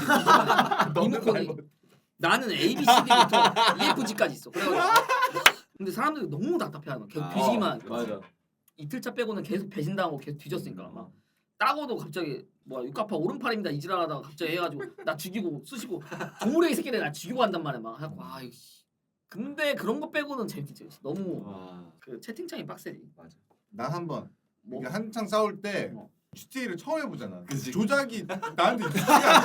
[SPEAKER 3] 너는
[SPEAKER 1] 리모컨이
[SPEAKER 3] 말고.
[SPEAKER 1] 나는 에이 비 씨 디부터 이 에프 지까지 있어. 그래가지고 근데 사람들이 너무 답답해하는 거야. 계속
[SPEAKER 4] 아,
[SPEAKER 1] 뒤지기만
[SPEAKER 4] 어,
[SPEAKER 1] 하니까.
[SPEAKER 3] 맞아.
[SPEAKER 1] 이틀차 빼고는 계속 배신당하고 계속 뒤졌으니까
[SPEAKER 3] 음.
[SPEAKER 1] 막 따고도 갑자기 뭐야 육가파 오른팔입니다 이지랄하다가 갑자기 해가지고 나 죽이고 쑤시고 조무래기 새끼들 나 죽이고 한단 말이야 막 해갖고 아 이거 씨. 근데 그런 거 빼고는 재밌지. 너무
[SPEAKER 4] 와.
[SPEAKER 1] 그 채팅창이 빡세지.
[SPEAKER 3] 맞아.
[SPEAKER 2] 나 한 번.
[SPEAKER 1] 뭐
[SPEAKER 2] 이게 한창 싸울 때
[SPEAKER 1] 어.
[SPEAKER 2] 지티에이를 처음 해보잖아.
[SPEAKER 4] 그치.
[SPEAKER 2] 조작이 나한테 익숙하지가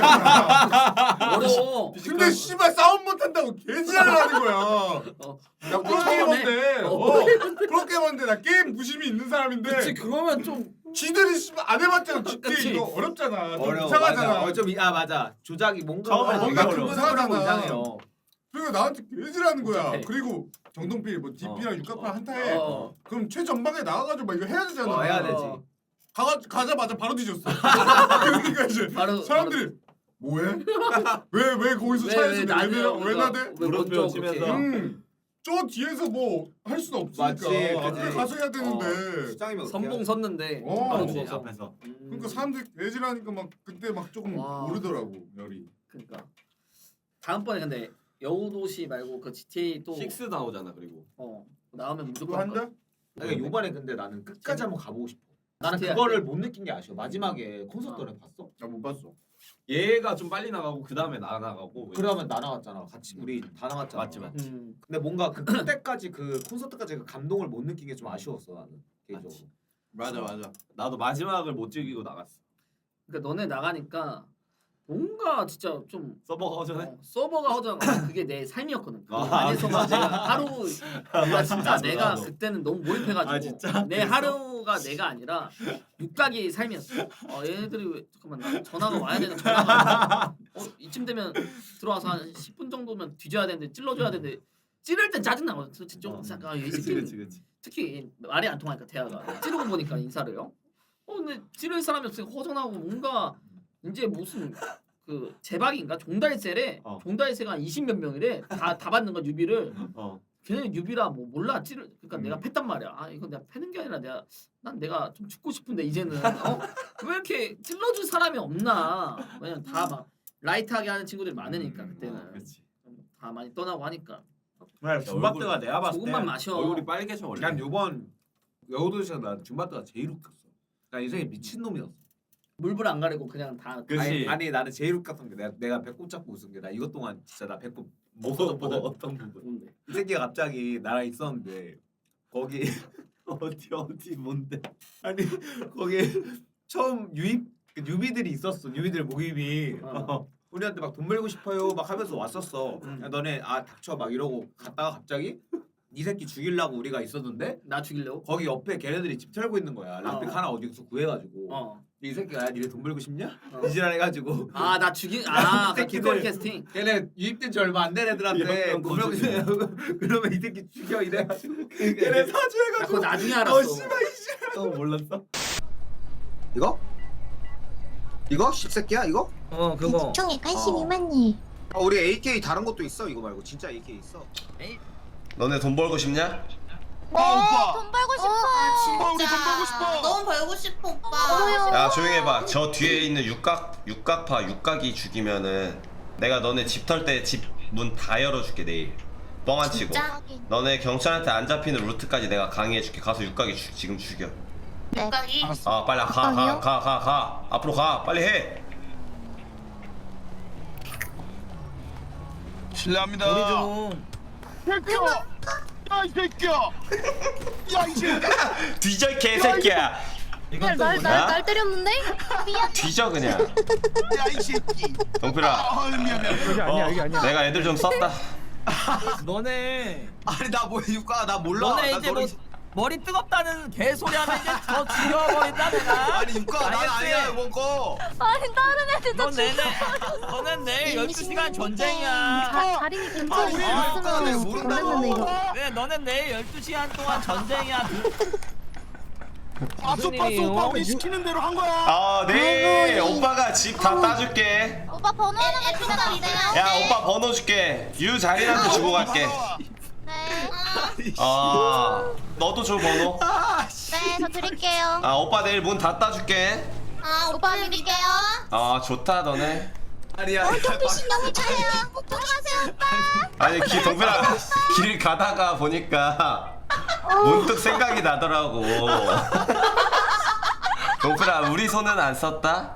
[SPEAKER 2] 않잖아.
[SPEAKER 1] 어려워.
[SPEAKER 2] 근데 씨발 싸움 못한다고 개지랄을 하는 거야.
[SPEAKER 1] 어.
[SPEAKER 2] 나 프로게이머인데,
[SPEAKER 1] 어.
[SPEAKER 2] 어, 프로게이머인데 나 게임 부심이 있는 사람인데
[SPEAKER 1] 그치 그러면 좀
[SPEAKER 2] 지들이 씨발 안 해봤잖아. 지티에이
[SPEAKER 1] 그치.
[SPEAKER 2] 이거 어렵잖아. 좀
[SPEAKER 3] 어려워.
[SPEAKER 2] 이상하잖아.
[SPEAKER 3] 맞아. 어, 좀 이- 아 맞아. 조작이 뭔가
[SPEAKER 4] 처음에
[SPEAKER 2] 뭔가
[SPEAKER 3] 되게
[SPEAKER 2] 좀
[SPEAKER 3] 어려워.
[SPEAKER 2] 이상하잖아.
[SPEAKER 3] 이상해요.
[SPEAKER 2] 그리고 나한테 개지라는 거야.
[SPEAKER 1] 복잡해.
[SPEAKER 2] 그리고 정동필 뭐 디피랑
[SPEAKER 4] 어.
[SPEAKER 2] 육각파 한타에
[SPEAKER 1] 어.
[SPEAKER 2] 그럼 최전방에 나가가지고 막 이거 해야 되잖아.
[SPEAKER 3] 어, 해야 되지.
[SPEAKER 1] 어.
[SPEAKER 2] 가가 가자마자 바로 뒤졌어. 그러니까 이제
[SPEAKER 1] 바로
[SPEAKER 2] 사람들이 뭐해? 왜 왜 거기서
[SPEAKER 1] 왜,
[SPEAKER 2] 차에서
[SPEAKER 1] 왜
[SPEAKER 2] 왜
[SPEAKER 1] 나대요?
[SPEAKER 2] 내려 왜
[SPEAKER 1] 그러니까
[SPEAKER 2] 나대?
[SPEAKER 1] 왜
[SPEAKER 4] 무릎
[SPEAKER 1] 먼저
[SPEAKER 4] 치면서.
[SPEAKER 1] 그렇게.
[SPEAKER 2] 음. 저 뒤에서 뭐 할 수는 없으니까
[SPEAKER 3] 맞지, 그치.
[SPEAKER 2] 앞에 가서 해야 되는데.
[SPEAKER 3] 수장이면
[SPEAKER 1] 선봉 섰는데
[SPEAKER 2] 어.
[SPEAKER 1] 바로
[SPEAKER 4] 그렇지,
[SPEAKER 1] 죽어서.
[SPEAKER 4] 앞에서.
[SPEAKER 1] 음.
[SPEAKER 2] 그러니까 사람들이 애질하니까 막 그때 막 조금
[SPEAKER 1] 와.
[SPEAKER 2] 오르더라고 열이.
[SPEAKER 1] 그러니까 다음번에 근데 여우도시 말고 그 지티에이 또
[SPEAKER 4] 식스 나오잖아 그리고.
[SPEAKER 1] 어, 나오면
[SPEAKER 2] 그거
[SPEAKER 1] 무조건 할 거야.
[SPEAKER 2] 한다?
[SPEAKER 3] 그러니까 요번에 근데 나는 끝까지 한번 가보고 싶어. 나는
[SPEAKER 1] 지티에이
[SPEAKER 3] 그거를
[SPEAKER 1] 할 때.
[SPEAKER 3] 못 느낀 게 아쉬워. 마지막에 콘서트 너네 봤어?
[SPEAKER 2] 나 못 봤어.
[SPEAKER 4] 얘가 좀 빨리 나가고 그 다음에 나 나가고.
[SPEAKER 3] 그러면 나 나갔잖아. 같이 우리 다 나갔잖아.
[SPEAKER 4] 맞지, 맞지.
[SPEAKER 1] 음.
[SPEAKER 3] 근데 뭔가 그 그때까지 그 콘서트까지 그 감동을 못 느낀 게 좀 아쉬웠어 나는 개인적으로.
[SPEAKER 4] 맞지.
[SPEAKER 2] 맞아 맞아.
[SPEAKER 4] 나도 마지막을 못 즐기고 나갔어.
[SPEAKER 1] 그러니까 너네 나가니까 뭔가 진짜 좀
[SPEAKER 4] 서버가 허전해.
[SPEAKER 1] 어, 서버가 허전. 그게 내 삶이었거든. 그
[SPEAKER 4] 아,
[SPEAKER 1] 안에서만
[SPEAKER 4] 진짜?
[SPEAKER 1] 내가 하루 나 진짜
[SPEAKER 4] 나도,
[SPEAKER 1] 내가
[SPEAKER 4] 나도.
[SPEAKER 1] 그때는 너무 몰입해가지고
[SPEAKER 4] 아, 진짜?
[SPEAKER 1] 내 하루가 내가 아니라 육각이 삶이었어. 어, 얘네들이 왜 잠깐만 나 전화가 와야 되는 전화가 어 이쯤 되면 들어와서 한 십 분 정도면 뒤져야 되는데 찔러줘야 되는데 찌를 땐 짜증 나거든. 좀
[SPEAKER 4] 어.
[SPEAKER 1] 아, 이
[SPEAKER 4] 그치
[SPEAKER 1] 새끼
[SPEAKER 4] 그치 그치.
[SPEAKER 1] 특히 말이 안 통하니까 대화가 찌르고 보니까 인사를요. 어 근데 찌를 사람이 없으니까 허전하고 뭔가 이제 무슨 그 제박인가 종달새래.
[SPEAKER 4] 어.
[SPEAKER 1] 종달새가 이십 몇 명이래. 다 다 받는 거 뉴비를.
[SPEAKER 4] 어.
[SPEAKER 1] 걔네 뉴비라 뭐 몰라 찌를. 그러니까
[SPEAKER 2] 음.
[SPEAKER 1] 내가 팼단 말이야. 아 이건 내가 패는 게 아니라 내가 난 내가 좀 죽고 싶은데 이제는 어? 왜 이렇게 찔러줄 사람이 없나. 왜냐면 다 막 라이트하게 하는 친구들이 많으니까
[SPEAKER 2] 음,
[SPEAKER 1] 그때는
[SPEAKER 4] 그치.
[SPEAKER 1] 다 많이 떠나고 하니까
[SPEAKER 3] 줌바트가 내가 봤을 때
[SPEAKER 1] 조금만 마셔.
[SPEAKER 4] 얼굴이 빨개져 원래.
[SPEAKER 3] 난 요번 여우도시가 난 줌바트가 제일 웃겼어. 나 인생에 미친 놈이었어.
[SPEAKER 1] 물불 안 가리고 그냥 다
[SPEAKER 4] 그치.
[SPEAKER 3] 아니, 아니 나는 제일 웃겼던 게 내가 내가 배꼽 잡고 웃은 게 나 이것 동안 진짜 나 배꼽 못
[SPEAKER 4] 뭐,
[SPEAKER 3] 쏟았거든.
[SPEAKER 4] 뭐 어떤 부분?
[SPEAKER 1] 뭔데?
[SPEAKER 3] 이 새끼가 갑자기 나랑 있었는데 거기
[SPEAKER 4] 어디 어디 뭔데?
[SPEAKER 3] 아니 거기 처음 유입 그 뉴비들이 있었어. 뉴비들 모임이
[SPEAKER 1] 어.
[SPEAKER 3] 우리한테 막 돈 벌고 싶어요 막 하면서 왔었어.
[SPEAKER 1] 음.
[SPEAKER 3] 야, 너네 아 닥쳐 막 이러고 갔다가 갑자기 이 새끼 죽이려고 우리가 있었는데
[SPEAKER 1] 나 죽이려고?
[SPEAKER 3] 거기 옆에 걔네들이 집 털고 있는 거야. 락픽
[SPEAKER 1] 어.
[SPEAKER 3] 하나 어디서 구해가지고
[SPEAKER 1] 어.
[SPEAKER 3] 이 새끼가 야 니네 돈 벌고 싶냐?
[SPEAKER 1] 어.
[SPEAKER 3] 이지랄 해가지고
[SPEAKER 1] 아 나 죽인 아 그
[SPEAKER 3] 새끼들.
[SPEAKER 1] 길거리 캐스팅.
[SPEAKER 3] 걔네 유입된 지 얼마 안 된 애들한테
[SPEAKER 4] 이런
[SPEAKER 3] 고명
[SPEAKER 4] 거지.
[SPEAKER 3] 그러면 이 새끼 죽여 이래가지고 걔네
[SPEAKER 1] 나 그거
[SPEAKER 3] 사주해가지고
[SPEAKER 1] 나중에
[SPEAKER 3] 어
[SPEAKER 1] 알았어.
[SPEAKER 3] 씨발
[SPEAKER 4] 어 몰랐어?
[SPEAKER 7] 이거? 이거? 씹새끼야 이거?
[SPEAKER 1] 어
[SPEAKER 7] 어.
[SPEAKER 8] 총에 관심이 많니?
[SPEAKER 7] 아, 우리 에이케이 다른 것도 있어 이거 말고 진짜 에이케이 있어. 너네 돈 벌고 싶냐?
[SPEAKER 8] 네, 돈 벌고 싶어.
[SPEAKER 9] 아, 진짜. 너무 벌고 싶어, 오빠.
[SPEAKER 7] 야 조용히 해봐. 저 뒤에 있는 육각 육각파 육각이 죽이면은 내가 너네 집 털 때 집 문 다 열어줄게 내일. 뻥 안 치고.
[SPEAKER 9] 진짜?
[SPEAKER 7] 너네 경찰한테 안 잡히는 루트까지 내가 강의해줄게. 가서 육각이 주, 지금 죽여.
[SPEAKER 9] 육각이?
[SPEAKER 7] 아 빨리 가 가 가 가 가 앞으로 가 빨리 해.
[SPEAKER 10] 실례합니다. 우리 좀. 새끼야! 야 이 새끼야! 야 이 새끼야!
[SPEAKER 7] 뒤져 이 개새끼야.
[SPEAKER 8] 날, 날, 날, 날 때렸는데? 미안.
[SPEAKER 7] 뒤져 그냥.
[SPEAKER 10] 야 이 새끼!
[SPEAKER 7] 동필아.
[SPEAKER 10] 아 미안 미안.
[SPEAKER 7] 이게 아니야 이게 아니야. 내가 애들 좀 썼다.
[SPEAKER 11] 너네
[SPEAKER 7] 아니 나 뭐 육각 나 몰라.
[SPEAKER 11] 너네
[SPEAKER 7] 나
[SPEAKER 11] 이제
[SPEAKER 7] 너네-
[SPEAKER 11] 뭐 머리 뜨겁다는 개소리 하면 이제 더 죽여버린다 내가.
[SPEAKER 7] 아니 육각 난
[SPEAKER 11] 알겠지?
[SPEAKER 7] 아니야 이번 거.
[SPEAKER 8] 아니, 다른 애들도
[SPEAKER 11] 넌 내내 너는 내일 열두 시간 전쟁이야.
[SPEAKER 8] 자, 자린이
[SPEAKER 7] 아,
[SPEAKER 8] 괜찮아.
[SPEAKER 7] 우리
[SPEAKER 8] 있으면
[SPEAKER 7] 육각은 내가 모른다고.
[SPEAKER 8] 걸렸는데, 이거.
[SPEAKER 11] 그래 너는 내일 열두 시간 동안 전쟁이야.
[SPEAKER 10] 봤어 봤어 오빠 우리 시키는 대로 한 거야.
[SPEAKER 7] 아 네. 오빠가 집 다 따줄게.
[SPEAKER 8] 오빠 번호 하나만 기다려주세요.
[SPEAKER 7] 야 오빠 번호 줄게. 유 자린한테 주고 갈게.
[SPEAKER 8] 네.
[SPEAKER 7] 아 너도 줘 번호.
[SPEAKER 8] 네, 저 드릴게요.
[SPEAKER 7] 아 오빠 내일 문 다 따줄게.
[SPEAKER 9] 아, 오빠 믿을게요.
[SPEAKER 7] 아 좋다 너네.
[SPEAKER 3] 아니야.
[SPEAKER 8] 경비신 영이 차요. 들어가세요, 오빠.
[SPEAKER 7] 아니 기 동필아 길 가다가 보니까 문득 생각이 나더라고. 동필아 우리 손은 안 썼다.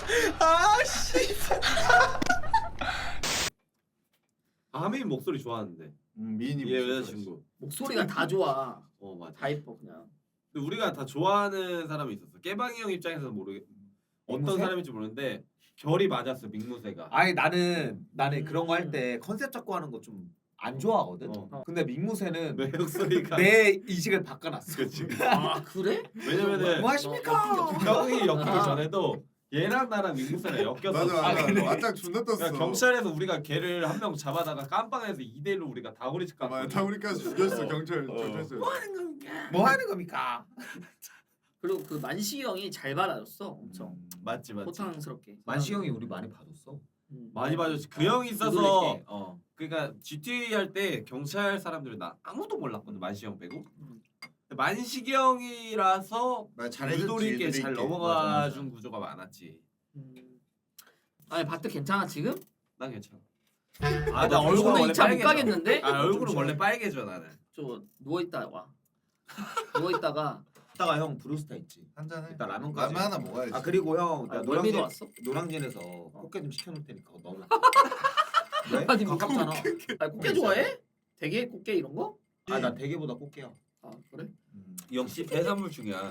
[SPEAKER 4] 아민 목소리 좋아하는데.
[SPEAKER 2] 음, 미인이
[SPEAKER 4] 얘
[SPEAKER 2] 목소리가
[SPEAKER 4] 여자친구.
[SPEAKER 1] 목소리가 다 좋아.
[SPEAKER 4] 어 맞아.
[SPEAKER 1] 다 이뻐 그냥.
[SPEAKER 4] 근데 우리가 다 좋아하는 사람이 있었어. 깨방이 형 입장에서는 모르겠. 어떤
[SPEAKER 3] 민무새?
[SPEAKER 4] 사람인지 모르는데 결이 맞았어 민무새가.
[SPEAKER 3] 아니 나는 나는
[SPEAKER 1] 음.
[SPEAKER 3] 그런 거 할 때 컨셉 잡고 하는 거 좀 안 좋아하거든.
[SPEAKER 4] 어.
[SPEAKER 3] 근데 민무새는
[SPEAKER 4] 내 목소리가.
[SPEAKER 3] 내 이식을 바꿔놨어.
[SPEAKER 4] 그치.
[SPEAKER 1] 아 그래?
[SPEAKER 4] 왜냐면은
[SPEAKER 3] 뭐 하십니까?
[SPEAKER 4] 형이 엮이기 전에도 얘랑 나랑 민무새가 엮였어.
[SPEAKER 2] 맞아
[SPEAKER 3] 아,
[SPEAKER 2] 맞아.
[SPEAKER 3] 그래?
[SPEAKER 2] 완전 존나 떴어.
[SPEAKER 4] 그러니까 경찰에서 우리가 걔를 한 명 잡아다가 깜빵에서 이 대 일로 우리가 다구리집
[SPEAKER 2] 맞아.
[SPEAKER 4] 갔거든.
[SPEAKER 2] 다우리까지 죽였어
[SPEAKER 4] 어.
[SPEAKER 2] 경찰
[SPEAKER 4] 어.
[SPEAKER 2] 경찰서.
[SPEAKER 3] 뭐 하는 겁니까? 뭐 하는 겁니까?
[SPEAKER 1] 그리고 그 만식이 형이 잘 받아줬어 엄청
[SPEAKER 4] 맞지 맞지.
[SPEAKER 1] 호탕스럽게.
[SPEAKER 3] 만시 형이 우리 많이 봐줬어.
[SPEAKER 1] 음.
[SPEAKER 4] 많이 봐줬지. 그 형이 있어서
[SPEAKER 1] 누구에게?
[SPEAKER 4] 어 그러니까 지티에이 할 때 경찰 사람들이 나 아무도 몰랐거든 만식이 형 빼고.
[SPEAKER 1] 음.
[SPEAKER 4] 근데 만식이 형이라서
[SPEAKER 2] 말 잘해줬지.
[SPEAKER 4] 유도리 있게
[SPEAKER 2] 유도리
[SPEAKER 4] 잘
[SPEAKER 2] 있게.
[SPEAKER 4] 넘어가 준 구조가 많았지.
[SPEAKER 1] 음. 아니 바트 괜찮아 지금?
[SPEAKER 4] 난 괜찮아.
[SPEAKER 1] 아,
[SPEAKER 4] 나 얼굴은
[SPEAKER 1] 오늘
[SPEAKER 4] 원래
[SPEAKER 1] 이 차 못
[SPEAKER 4] 빨개져.
[SPEAKER 1] 가겠는데?
[SPEAKER 4] 아 얼굴은 원래 빨개져 나는.
[SPEAKER 1] 저 누워 있다 와. 누워 있다가
[SPEAKER 3] 이따가 형 브루스타 있지.
[SPEAKER 2] 한잔 해.
[SPEAKER 3] 이따 라면까지.
[SPEAKER 2] 라면 하나 먹어야지.
[SPEAKER 3] 아 그리고 형
[SPEAKER 1] 아,
[SPEAKER 3] 나
[SPEAKER 1] 멀미도
[SPEAKER 3] 노량진
[SPEAKER 1] 왔어?
[SPEAKER 3] 노량진에서 꽃게 좀 시켜놓을 테니까 그거 넣어. 왜?
[SPEAKER 1] 아니, 뭐
[SPEAKER 3] 가깝잖아.
[SPEAKER 1] 아 꽃게 좋아해? 대게 꽃게 이런 거?
[SPEAKER 3] 아나 대게보다 꽃게야.
[SPEAKER 1] 아 그래?
[SPEAKER 4] 역시 배산물 중이야.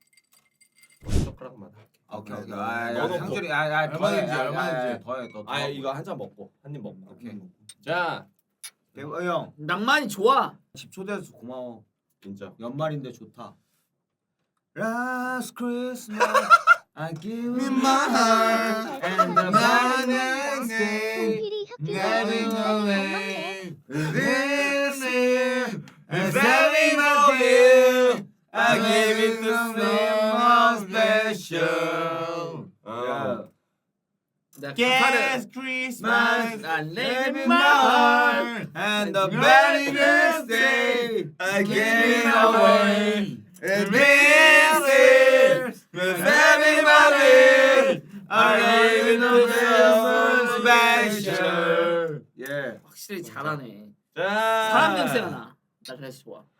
[SPEAKER 4] 젓가락만 할게.
[SPEAKER 3] 아, 오케이 오케이.
[SPEAKER 2] 아,
[SPEAKER 3] 아,
[SPEAKER 4] 넣어놓고.
[SPEAKER 3] 야, 상준이 아아
[SPEAKER 2] 얼마든지,
[SPEAKER 3] 더해
[SPEAKER 2] 얼마든지.
[SPEAKER 3] 더해 더.
[SPEAKER 4] 아 이거 한 잔 먹고 한 입 먹고.
[SPEAKER 3] 오케이.
[SPEAKER 4] 자
[SPEAKER 3] 대호 형.
[SPEAKER 1] 낭만이 좋아.
[SPEAKER 3] 집 초대해서 고마워.
[SPEAKER 4] 진짜.
[SPEAKER 3] 연말인데 좋다. Last Christmas I give you
[SPEAKER 2] In
[SPEAKER 3] my
[SPEAKER 2] my
[SPEAKER 3] heart and the
[SPEAKER 2] 나는
[SPEAKER 3] day
[SPEAKER 6] 필이
[SPEAKER 3] Giving
[SPEAKER 6] 학교가
[SPEAKER 3] away this year and saving my gift I give it to someone special.
[SPEAKER 4] 어.
[SPEAKER 1] 내가 가사를
[SPEAKER 3] Yes, Christmas
[SPEAKER 1] 난
[SPEAKER 3] live
[SPEAKER 1] 내게
[SPEAKER 3] in my heart and the very next day I give it away. And this is the saving my gift I give it to someone special. Yeah.
[SPEAKER 1] 확실히 잘하네.
[SPEAKER 4] 자
[SPEAKER 1] 사람 냄새가 나. 나 그래서 좋아.